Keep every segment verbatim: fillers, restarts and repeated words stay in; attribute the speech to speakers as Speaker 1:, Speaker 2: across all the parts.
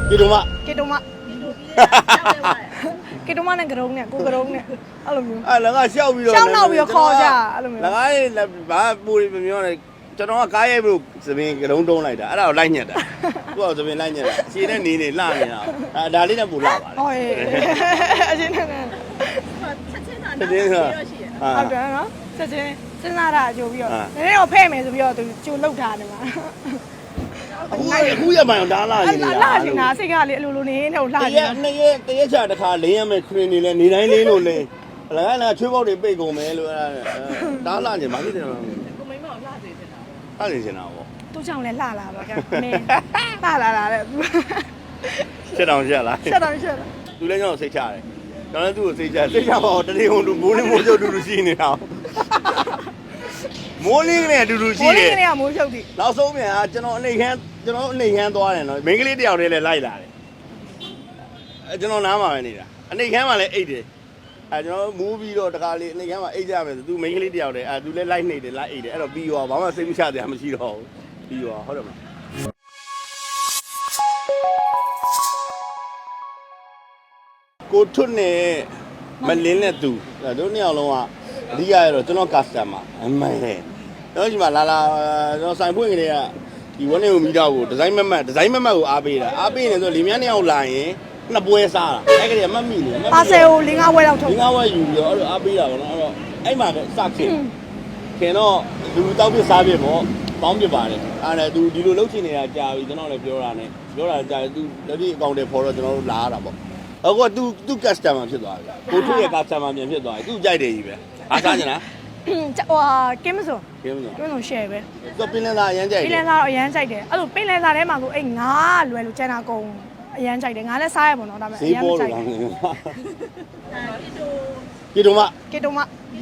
Speaker 1: ကေတုံမ
Speaker 2: ကေတုံမကေတုံမနဲ့ကရုံးနဲ့ကိုကရုံးနဲ့အဲ့လိုမျိုး
Speaker 1: အဲ့လည်းငါရှောက်ပြီးတော့
Speaker 2: ရှောက်နောက်ပြီးခေါ်ကြအဲ့လိုမျိုး
Speaker 1: ငါကဘာပူရီမပြောနဲ့ကျွန်တော်ကကားရိုက်ဖို့သပင်ကရုံးတုံးလိုက်တာအဲ့ဒါကိုလိုက်ညက်တာသူကသပင်လိုက်ညက်တာအရှင်နဲ့နေနေလှနေတာအဲ့ဒါလေးနဲ့ပူလာပါလေ
Speaker 2: ဟုတ်ရဲ့အရှင်နဲ့
Speaker 3: ချက်ချင်းသာနားပြီးတော့ရှိရ
Speaker 2: ဟုတ်တယ်နော်ချက်ချင်းစဉ်းစားတာကြိုပြီးတော့နည်းနည်းတော့ဖဲ့မယ်ဆိုပြီးတော့သူကြိုလောက်ထားတယ်မှာ
Speaker 1: အခုအခုရမှန်ဒါလာရင်
Speaker 2: လာရှင်နာစိတ်ကလေအလိုလိုနေနေလှ
Speaker 1: နေနှစ်ရက်တရက်ချာတစ်ခါလင်းရမယ်ခရင်နေလဲနေတိုင်းလင်းလို့လင်းအလကားလားချွေးပေါက်တွေပိတ်ကုန်မယ်လို့အဲ့ဒါလာကျင်ဘာဖြစ်တယ်လဲ
Speaker 3: ကိုမိမအောင်လှစေချင်တာ
Speaker 1: လှစေချင်တာပေါ့
Speaker 2: သူ့ကြောင့်လဲလှလာပါကမင်းလှလာလာတဲ့
Speaker 1: ချက်တောင်ချက်လား
Speaker 2: ချက်တောင်ချက်လား
Speaker 1: သူလည်းကျွန်တော်စိတ်ချတယ်ကျွန်တော်လည်းသူ့ကိုစိတ်ချစိတ်ချပါတော့တတိယုံလူမိုးလင်းမိုးချုပ်တူတူရှိနေတာမိုးလင်းနဲ့အတူတူရှိတယ်
Speaker 2: မိုးလင်းနဲ့ကမိုးချုပ်ပြီ
Speaker 1: နောက်ဆုံးပြန်ကကျွန်တော်အနေခန်းကျွန်တော်အနေခန်းသွားတယ်နော်မိန်းကလေးတယောက်တည်းလည်းလိုက်လာတယ်အဲကျွန်တော်နားမှာပဲနေတာအနေခန်းမှာလည်းအိတ်တယ်အဲကျွန်တော်မူးပြီးတော့တခါလေးအနေခန်းမှာအိတ်ကြမယ်ဆိုသူမိန်းကလေးတယောက်တည်းအဲသူလည်းလိုက်နေတယ်လိုက်အိတ်တယ်အဲ့တော့ပြီးရောဘာမှစိတ်မချတရားမရှိတော့ဘူးပြီးရောဟုတ်တယ်မလားကိုထွတ်နဲ့မလင်းနဲ့သူတို့နှစ်ယောက်လုံးကအဓိကရတော့ကျွန်တော် customer အမှန်လေကျွန်တော်ဒီမှာလာလာကျွန်တော်ဆိုင်ဖွင့်ကလေးကဒီဝန်းနေကိုမိတော့ကိုဒီဇိုင်းမမတ်ဒီဇိုင်းမမတ်ကိုအားပေးတာအားပေးနေဆိုလီမြန်းနှစ်ယောက်လာရင်နှစ်ပွဲစားတာအဲ့ကလေးကမတ်မိနေ
Speaker 2: ပါဆယ်ကို၄၅ဝဲလောက်ထုတ်
Speaker 1: ၄၅ဝဲယူပြီးတော့အဲ့လိုအားပေးတာပေါ့နော်အဲ့တော့အဲ့မှာစခင်ခင်တော့လူတောက်ပြစားပြပေါ့ပေါင်းပြပါတယ်အဲ့ဒါသူဒီလိုလှုပ်ချင်နေတာကြာပြီကျွန်တော်လည်းပြောတာနဲ့ပြောတာကြာသူလက်ဒီအကောင့်တွေဖော်တော့ကျွန်တော်တို့လာရတာပေါ့အခုကသူသူ customer ဖြစ်သွားပြီကိုထွေးရဲ့ customer ပြန်ဖြစ်သွားပြီသူကြိုက်တယ်ကြီးပဲအားစားကြလား
Speaker 2: ဟိုကင်းမစုံ
Speaker 1: ကင်းမစုံ
Speaker 2: ကင်းမစုံ share ပဲ
Speaker 1: သူပင်လယ်သားအရန်ကြိုက်တယ်
Speaker 2: ပင်လယ်သားတော့အရန်ကြိုက်တယ်အဲ့လိုပင်လယ်သားထဲမှာဆိုအဲ့ငါးလွယ်လို့ကျန်တာကုန်အရန်ကြိုက်တယ်ငါလည်းစားရပါတော့ဒါပေမဲ့အရန်ကြိုက်တယ်
Speaker 1: ကေတုံမ
Speaker 2: ကေတုံမ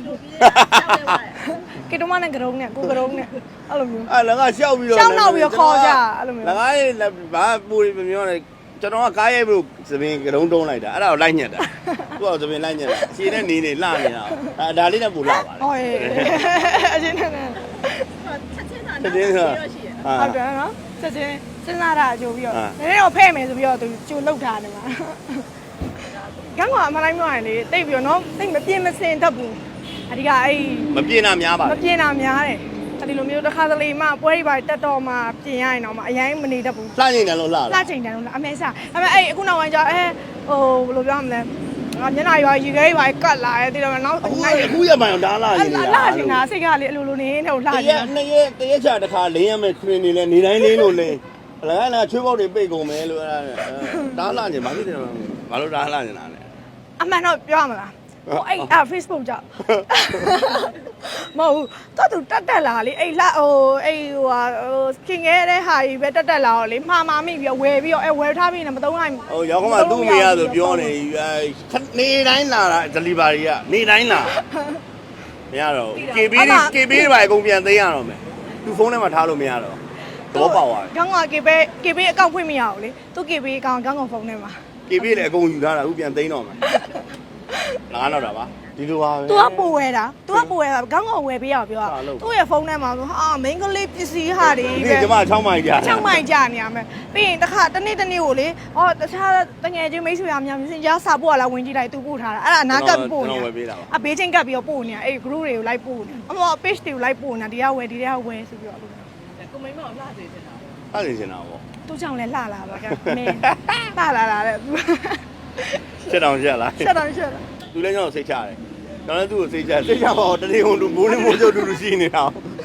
Speaker 2: ကေတုံမနဲ့ကရုံးနဲ့ကိုကရုံးနဲ့အဲ့လိုမျိုး
Speaker 1: အဲ့လည်းငါရှောက်ပြီးတော့
Speaker 2: ရှောက်နောက်ပြီးခေါ်ကြအဲ့လိုမျိုး
Speaker 1: ငါကဘာပူရီမပြောနဲ့ကျွန်တော်ကကားရိုက်ဖို့သပင်ကရုံးတုံးလိုက်တာအဲ့ဒါကိုလိုက်ညက်တာသူကသပင်လိုက်ညက်တာအရှင်နဲ့နေနေလှနေတာအဲ့ဒါလေးနဲ့ပူလာပါလေ
Speaker 2: ဟုတ်ရဲ့အရှင်နဲ့
Speaker 3: ချက်ချင်းသာနားပြီးတော့ရှိရ
Speaker 2: ဟုတ်တယ်နော်ချက်ချင်းစဉ်းစားတာကြိုပြီးတော့နည်းနည်းတော့ဖဲ့မယ်ဆိုပြီးတော့သူကြိုလောက်ထားတယ်မှာကန်းကအမှန်တိုင်းပြောရင်လေတိတ်ပြီးတော့နော်တိတ်မပြင်းမစင်တတ်ဘူးအဓိကအဲ့
Speaker 1: မပြင်းတာများပါ
Speaker 2: မပြင်းတာများတယ်ဒီလိုမျိုးတစ်ခါတလေမှပွဲတွေပါတက်တော့မှပြင်ရရင်တော့မှအရင်မနေတတ်ဘူး
Speaker 1: လှချိန်တယ်လို့လှ
Speaker 2: လှချိန်တယ်လို့အမေစားဒါပေမဲ့အဲ့အခုနောက်ပိုင်းကျအဲဟိုဘယ်လိုပြောမလဲငါမျက်နှာရွာရေခဲရွာကတ်လာတယ်ဒီတော့နောက်
Speaker 1: အခုအခုရမှန်ဒါလှရင်
Speaker 2: လှချိန်တာစိတ်ကလေအလိုလိုနေနေလှ
Speaker 1: ချိန်တာနှစ်ရက်တရက်ချာတစ်ခါလင်းရမယ်ခရင်နေလဲနေတိုင်းလင်းလို့လင်းအလကားလားချွေးပေါက်တွေပိတ်ကုန်မယ်လို့အဲ့ဒါဒါလှချိန်ဘာဖြစ်တယ်ဘာလို့ဒါလှနေတာလဲ
Speaker 2: အမှန်တော့ပြောရမလားဟိုအဲ့ Facebook ကြောင့်မဟုတ်တော့သူတက်တက်လာလေအဲ့လာဟိုအဲ့ဟိုဟာခင်ခဲ့တဲ့ဟာကြီးပဲတက်တက်လာတော့လေမှားမှားမိပြီးဝယ်ပြီးတော့အဲ့ဝယ်ထားပြီးနေမသုံးနိုင်
Speaker 1: ဟိုရောက်ကမှသူ့မေရဆိုပြောနေနေတိုင်းလာတာ delivery ကနေတိုင်းလာမရတော့ ကေ ဘီ ကေ ဘီ တွေပါအကုန်ပြန်သိမ်းရတော့မယ်သူဖုန်းထဲမှာထားလို့မရတော့တော့ပေါက်သွား
Speaker 2: တယ်ခေါင်းက ကေ ဘီ ကေ ဘီ အကောင့်ဖွင့်မရဘူးလေသူ ကေ ဘီ အကောင့်ခေါင်းကဖုန်းထဲမှာ
Speaker 1: ကေ ဘီ လည်းအကုန်ယူထားတာအခုပြန်သိမ်းတော့မယ်ငါတော့တာပါဒီလိုပါပဲ
Speaker 2: तू ကပို့ဝဲတာ तू ကပို့ဝဲတာခေါင်းကောင်ဝဲပေးရပြောတာသူ့ရဲ့ဖုန်းထဲမှာဆိုဟာမိန်းကလေးပစ္စည်းဟာတွေ
Speaker 1: ပဲဒီမှာ၆မိုင်ကြာ
Speaker 2: ၆မိုင်ကြာနေရမယ်ပြီးရင်တစ်ခါတစ်နေ့တစ်နေ့ကိုလေဟောတခြားတငယ်ချင်းမိတ်ဆွေများများစင်ကြားစာပို့ရလားဝင်ကြည့်လိုက် तू ပို့ထားတာအဲ့ဒါအနာကပ်ပို့နေအဘေးချင်းကပ်ပြီးတော့ပို့နေတာအဲ့ group တွေကိုလိုက်ပို့နေအမော page တွေကိုလိုက်ပို့နေတာဒီကဝဲဒီကဝဲဆိုပြီးတော့
Speaker 3: ကိုမိမအောင်လှစေချင်တာ
Speaker 1: လှစေချင်တာပေါ့
Speaker 2: သူ့ကြောင့်လဲလှလာပါကမင်းလှလာလာတဲ့
Speaker 1: ချက်တောင်ချက်လား
Speaker 2: ချက်တောင်ချက်လား
Speaker 1: သူလည်းကျွန်တော်စိတ်ချတယ်ကျွန်တော်လည်းသူ့ကိုစိတ်ချစိတ်ချပါတော့တတိယုံလူမိုးလင်းမိုးချုပ်တူတူရှိနေတာ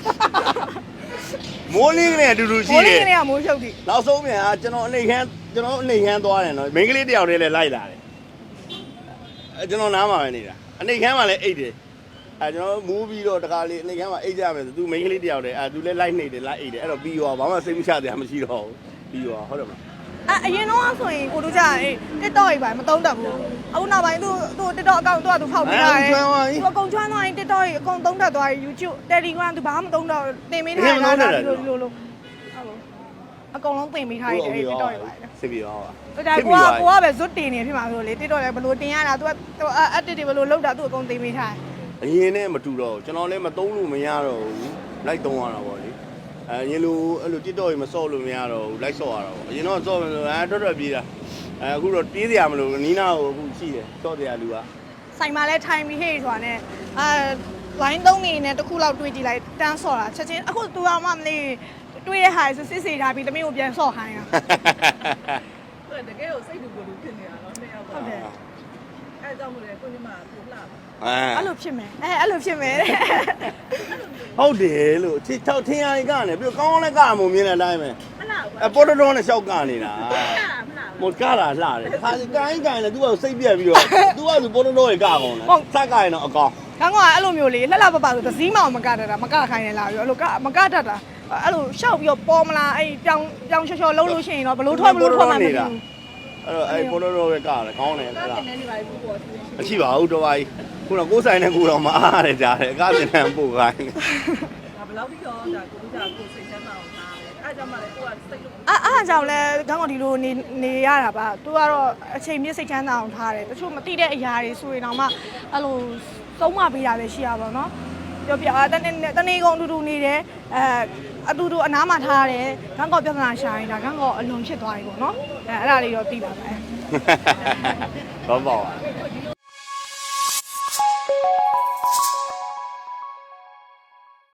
Speaker 1: မိုးလင်းနဲ့အတူတူရှိတယ်
Speaker 2: မိုးလင်းနဲ့ကမိုးချုပ်ပြီ
Speaker 1: နောက်ဆုံးပြန်ကကျွန်တော်အနေခန်းကျွန်တော်အနေခန်းသွားတယ်နော်မိန်းကလေးတယောက်တည်းလည်းလိုက်လာတယ်အဲကျွန်တော်နားမှာပဲနေတာအနေခန်းမှာလည်းအိတ်တယ်အဲကျွန်တော်မူးပြီးတော့တခါလေးအနေခန်းမှာအိတ်ကြမယ်ဆိုသူမိန်းကလေးတယောက်တည်းအဲသူလည်းလိုက်နေတယ်လိုက်အိတ်တယ်အဲ့တော့ပြီးရောဘာမှစိတ်မချတရားမရှိတော့ဘူးပြီးရောဟုတ်တယ်မလား
Speaker 2: အအရင်တော့ဆိုရင်ကိုတို့ကြအေး TikTok ကြီးပါမသုံးတတ်ဘူးအခုနောက်ပိုင်းသူသူ TikTok အကောင့်သူကသူဖောက်ပေးတာတယ်သူအကုန်ကျွမ်းသွားရင် TikTok ကြီးအကုန်သုံးတတ်သွားရင် YouTube Telegram သူဘာမှမသုံးတော့တင်ပေးထားတာဒီလိုဒီလိုလိုအကုန်လုံးတင်ပေးထားတယ်အေး TikTok ကြီးပါ
Speaker 1: စစ်ပြီးတော့
Speaker 2: ပါဒါကိုကကိုကပဲဇွတ်တင်နေဖြစ်မှာဆိုလေ TikTok လည်းဘယ်လိုတင်ရတာသူက edit တွေဘယ်လိုလုပ်တာသူအကုန်တင်ပေးထားတယ်
Speaker 1: အရင်နဲ့မတူတော့ကျွန်တော်လည်းမသုံးလို့မရတော့ဘူးလိုက်သုံးရတာပေါ့လေအဲရင်လိုအဲ့လို TikTok ကြီးမစော့လို့မရတော့ဘူးလိုက်စော့ရတော့အရင်တော့စော့မယ်ဆိုအဲတော်တော်ပြေးတာအဲအခုတော့ပြေးစရာမလိုနီးနာကိုအခုရှိတယ်စော့တရားလူက
Speaker 2: ဆိုင်မှာလဲထိုင်ပြီးဟေ့ဆိုတာနဲ့အာဝိုင်းသုံးနေနဲ့တစ်ခုလောက်တွေးကြည့်လိုက်တန်းဆော့တာချက်ချင်းအခုသူအောင်မှမလေးတွေးရဟာဆိုစစ်စစ်ထားပြီးတမင်းကိုပြန်ဆော့ခိုင်းတာ
Speaker 3: သူကတကယ်ကိုစိတ်တူကိုယ်တူဖြစ်နေတာနော်နှစ်ယောက်က
Speaker 2: ဟုတ်တယ်
Speaker 3: အဲကြောင့်မို့လဲကိုညီမကိုလှပါ
Speaker 1: အဲ
Speaker 2: အဲ့လိုဖြစ်မယ်အဲအဲ့လိုဖြစ်မယ်တဲ့
Speaker 1: ဟုတ်တယ်လို့ချစ်ချောက်ထင်းရည်ကနေပြီးကောင်းကောင်းလည်းကမှမြင်တဲ့အတိုင်းပဲ
Speaker 3: မလှဘူး
Speaker 1: အဲပေါ်တော်တော်နဲ့ရှောက်ကနေတာ
Speaker 3: မလှဘူး
Speaker 1: မကလာလှတယ်ခါစီကိုင်းကိုင်းလည်း तू ကစိတ်ပြက်ပြီးတော့ तू ကသူပေါ်တော်တော်ရေကကောင်းတယ်စက်ကရင်တော့အကောင်
Speaker 2: ခေါင်းကအဲ့လိုမျိုးလေးလှလှပပဆိုသစည်းမအောင်မကတတ်တာမကခိုင်းနေလားပြီးအဲ့လိုကမကတတ်တာအဲ့လိုရှောက်ပြီးတော့ပေါ်မလားအဲ့ပြောင်းပြောင်းချောချောလုံးလို့ရှိရင်တော့ဘလို့ထွက်ဘလို့ထွက်မှမသိဘူး
Speaker 1: အဲ့တော့အဲ့ပေါ်တော်တော်ပဲကတယ်ကောင်းတယ်
Speaker 3: ကား
Speaker 1: အဲ့ဒါ
Speaker 3: တင်နေနေပါဘူးပေါ့သူ
Speaker 1: အရှိပါဘူးတော့ပါကြီးခုတော့ကိုယ်ဆိုင်နဲ့ကိုတော့မအားရတယ်ကြားတယ်အကားတင်တန်းပို့ခိုင်း
Speaker 3: ဒါဘယ်လောက်ပြီးတော့ဒါကိုဒါကိုစိတ်ချမ်းသာအောင်ထားတယ်အဲကြောင့်မှလည်းကိုကစိတ်လို့
Speaker 2: အဲ့အားကြောင့်လဲခေါင်းကဒီလိုနေနေရတာပါသူကတော့အချိန်မြင့်စိတ်ချမ်းသာအောင်ထားတယ်တချို့မသိတဲ့အရာတွေဆိုရင်တော့မှအဲ့လိုသုံးမပေးတာပဲရှိရပါတော့နော်ပြောပြတနေ့တနေ့ကုန်အတူတူနေတယ်အဲအတူတူအနားမှာထားတယ်ခေါင်းကပြဿနာရှာရင်ဒါခေါင်းကအလွန်ဖြစ်သွားပြီပေါ့နော်အဲအဲ့ဒါလေးတော့သိပါမယ်
Speaker 1: ဘာပေါ့